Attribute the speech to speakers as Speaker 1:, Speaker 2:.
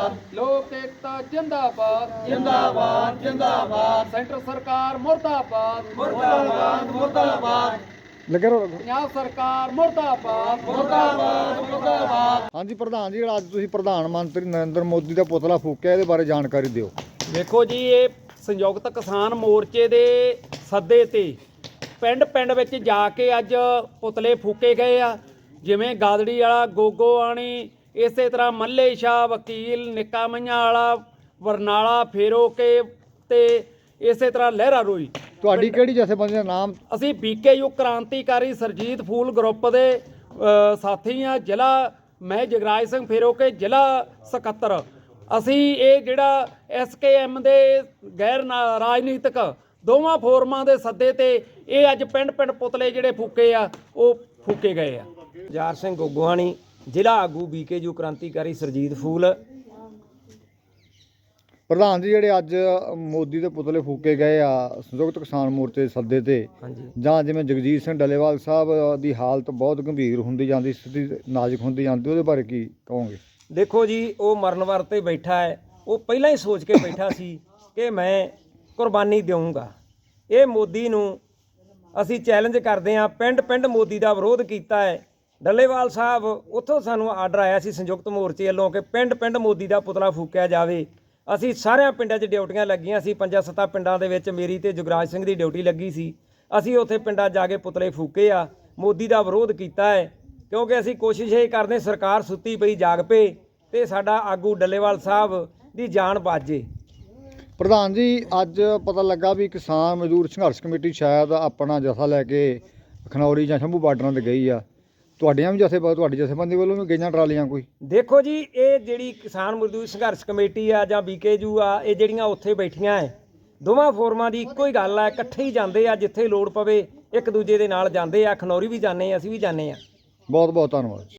Speaker 1: जिंदाबाद लोक एकता जिंदाबाद
Speaker 2: जिंदाबाद जिंदाबाद
Speaker 1: सेंटर सरकार मुर्दाबाद
Speaker 2: मुर्दाबाद मुर्दाबाद
Speaker 3: ਲੱਗੇ ਰਹੋ
Speaker 1: पंजाब सरकार मुर्दाबाद
Speaker 2: मुर्दाबाद मुर्दाबाद।
Speaker 3: ਹਾਂਜੀ ਪ੍ਰਧਾਨ ਜੀ, ਜਿਹੜਾ ਅੱਜ ਤੁਸੀਂ ਪ੍ਰਧਾਨ ਮੰਤਰੀ ਨਰਿੰਦਰ ਮੋਦੀ ਦਾ ਪੁਤਲਾ ਫੂਕਿਆ, ਇਹਦੇ ਬਾਰੇ ਜਾਣਕਾਰੀ ਦਿਓ।
Speaker 4: ਵੇਖੋ ਜੀ, ਇਹ ਸੰਯੁਕਤ ਕਿਸਾਨ ਮੋਰਚੇ ਦੇ ਸੱਦੇ ਤੇ ਪਿੰਡ ਪਿੰਡ ਵਿੱਚ ਜਾ ਕੇ ਅੱਜ ਪੁਤਲੇ ਫੂਕੇ ਗਏ ਆ। ਜਿਵੇਂ ਗਾਦੜੀ ਵਾਲਾ, ਗੋਗੋਆਣੀ, ਇਸੇ ਤਰ੍ਹਾਂ ਮੱਲੇ ਸ਼ਾਹ, ਵਕੀਲ, ਨਿੱਕਾ ਮਈਆਂ ਵਾਲਾ, ਬਰਨਾਲਾ, ਫੇਰੋਕੇ ਤੇ ਇਸੇ ਤਰ੍ਹਾਂ ਲਹਿਰਾ ਰੋਈ।
Speaker 3: ਤੁਹਾਡੀ ਕਿਹੜੀ ਜਥੇਬੰਦੀ ਦਾ ਨਾਮ?
Speaker 4: ਅਸੀਂ BKU ਕ੍ਰਾਂਤੀਕਾਰੀ ਸਰਜੀਤ ਫੂਲ ਗਰੁੱਪ ਦੇ ਸਾਥੀ ਆ। ਜ਼ਿਲ੍ਹਾ ਮੈਂ ਜਗਰਾਜ ਸਿੰਘ ਫੇਰੋਕੇ, ਜ਼ਿਲ੍ਹਾ ਸਕੱਤਰ। ਅਸੀਂ ਇਹ ਜਿਹੜਾ SKM ਦੇ ਗੈਰ ਰਾਜਨੀਤਿਕ ਦੋਵਾਂ ਫੋਰਮਾਂ ਦੇ ਸੱਦੇ ਤੇ ਇਹ ਅੱਜ ਪਿੰਡ ਪਿੰਡ ਪੁਤਲੇ ਜਿਹੜੇ ਫੂਕੇ ਆ ਉਹ ਫੂਕੇ ਗਏ ਆ।
Speaker 5: ਜਾਰ ਸਿੰਘ ਗੋਗੋਆਣੀ, ਜ਼ਿਲ੍ਹਾ ਆਗੂ BKU ਕ੍ਰਾਂਤੀਕਾਰੀ ਸਰਜੀਤ ਫੂਲ।
Speaker 3: ਪ੍ਰਧਾਨ ਜੀ, ਜਿਹੜੇ ਅੱਜ ਮੋਦੀ ਦੇ ਪੁਤਲੇ ਫੂਕੇ ਗਏ ਆ ਸੰਯੁਕਤ ਕਿਸਾਨ ਮੋਰਚੇ ਦੇ ਸੱਦੇ ਤੇ, ਜਾਂ ਜਿਵੇਂ ਜਗਜੀਤ ਸਿੰਘ ਡੱਲੇਵਾਲ ਸਾਹਿਬ ਦੀ ਹਾਲਤ ਬਹੁਤ ਗੰਭੀਰ ਹੁੰਦੀ ਜਾਂਦੀ, ਸਥਿਤੀ ਨਾਜ਼ੁਕ ਹੁੰਦੀ ਜਾਂਦੀ, ਉਹਦੇ ਬਾਰੇ ਕੀ ਕਹੋਗੇ?
Speaker 5: ਦੇਖੋ ਜੀ, ਉਹ ਮਰਨ ਵਰ ਤੇ ਬੈਠਾ ਹੈ। ਉਹ ਪਹਿਲਾਂ ਹੀ ਸੋਚ ਕੇ ਬੈਠਾ ਸੀ ਕਿ ਮੈਂ ਕੁਰਬਾਨੀ ਦੇਵਾਂਗਾ। ਇਹ ਮੋਦੀ ਨੂੰ ਅਸੀਂ ਚੈਲੰਜ ਕਰਦੇ ਹਾਂ। ਪਿੰਡ ਪਿੰਡ ਮੋਦੀ ਦਾ ਵਿਰੋਧ ਕੀਤਾ ਹੈ। ਡੱਲੇਵਾਲ ਸਾਹਿਬ, ਉੱਥੋਂ ਸਾਨੂੰ ਆਰਡਰ ਆਇਆ ਸੀ ਸੰਯੁਕਤ ਮੋਰਚੇ ਵੱਲੋਂ ਕਿ ਪਿੰਡ ਪਿੰਡ ਮੋਦੀ ਦਾ ਪੁਤਲਾ ਫੂਕਿਆ ਜਾਵੇ। ਅਸੀਂ ਸਾਰਿਆਂ ਪਿੰਡਾਂ 'ਚ ਡਿਊਟੀਆਂ ਲੱਗੀਆਂ ਸੀ। 5-7 ਪਿੰਡਾਂ ਦੇ ਵਿੱਚ ਮੇਰੀ ਤੇ ਜੁਗਰਾਜ ਸਿੰਘ ਦੀ ਡਿਊਟੀ ਲੱਗੀ ਸੀ। ਅਸੀਂ ਉੱਥੇ ਪਿੰਡਾਂ ਜਾ ਕੇ ਪੁਤਲੇ ਫੂਕੇ ਆ, ਮੋਦੀ ਦਾ ਵਿਰੋਧ ਕੀਤਾ ਹੈ। ਕਿਉਂਕਿ ਅਸੀਂ ਕੋਸ਼ਿਸ਼ ਇਹ ਕਰਦੇ, ਸਰਕਾਰ ਸੁੱਤੀ ਪਈ ਜਾਗ ਪਏ ਤੇ ਸਾਡਾ ਆਗੂ ਡੱਲੇਵਾਲ ਸਾਹਿਬ ਦੀ ਜਾਨ ਬਚ ਜੇ।
Speaker 3: ਪ੍ਰਧਾਨ ਜੀ, ਅੱਜ ਪਤਾ ਲੱਗਾ ਵੀ ਕਿਸਾਨ ਮਜ਼ਦੂਰ ਸੰਘਰਸ਼ ਕਮੇਟੀ ਸ਼ਾਇਦ ਆਪਣਾ ਜਥਾ ਲੈ ਕੇ ਖਨੌਰੀ ਜਾਂ ਸ਼ੰਭੂ ਬਾਰਡਰਾਂ 'ਤੇ ਗਈ ਆ। ਤੁਹਾਡੀ ਜਥੇਬੰਦੀ ਵੱਲੋਂ ਵੀ ਗਈਆਂ ਟਰਾਲੀਆਂ ਕੋਈ?
Speaker 5: ਦੇਖੋ ਜੀ, ਇਹ ਜਿਹੜੀ ਕਿਸਾਨ ਮਜ਼ਦੂਰ ਸੰਘਰਸ਼ ਕਮੇਟੀ ਆ ਜਾਂ BKU ਆ, ਇਹ ਜਿਹੜੀਆਂ ਉੱਥੇ ਬੈਠੀਆਂ ਹੈ, ਦੋਵਾਂ ਫੋਰਮਾਂ ਦੀ ਇੱਕੋ ਹੀ ਗੱਲ ਆ। ਇਕੱਠੇ ਹੀ ਜਾਂਦੇ ਆ, ਜਿੱਥੇ ਲੋੜ ਪਵੇ ਇੱਕ ਦੂਜੇ ਦੇ ਨਾਲ ਜਾਂਦੇ ਆ। ਖਨੌਰੀ ਵੀ ਜਾਂਦੇ ਆ, ਅਸੀਂ ਵੀ ਜਾਂਦੇ ਆ।
Speaker 3: ਬਹੁਤ ਬਹੁਤ ਧੰਨਵਾਦ।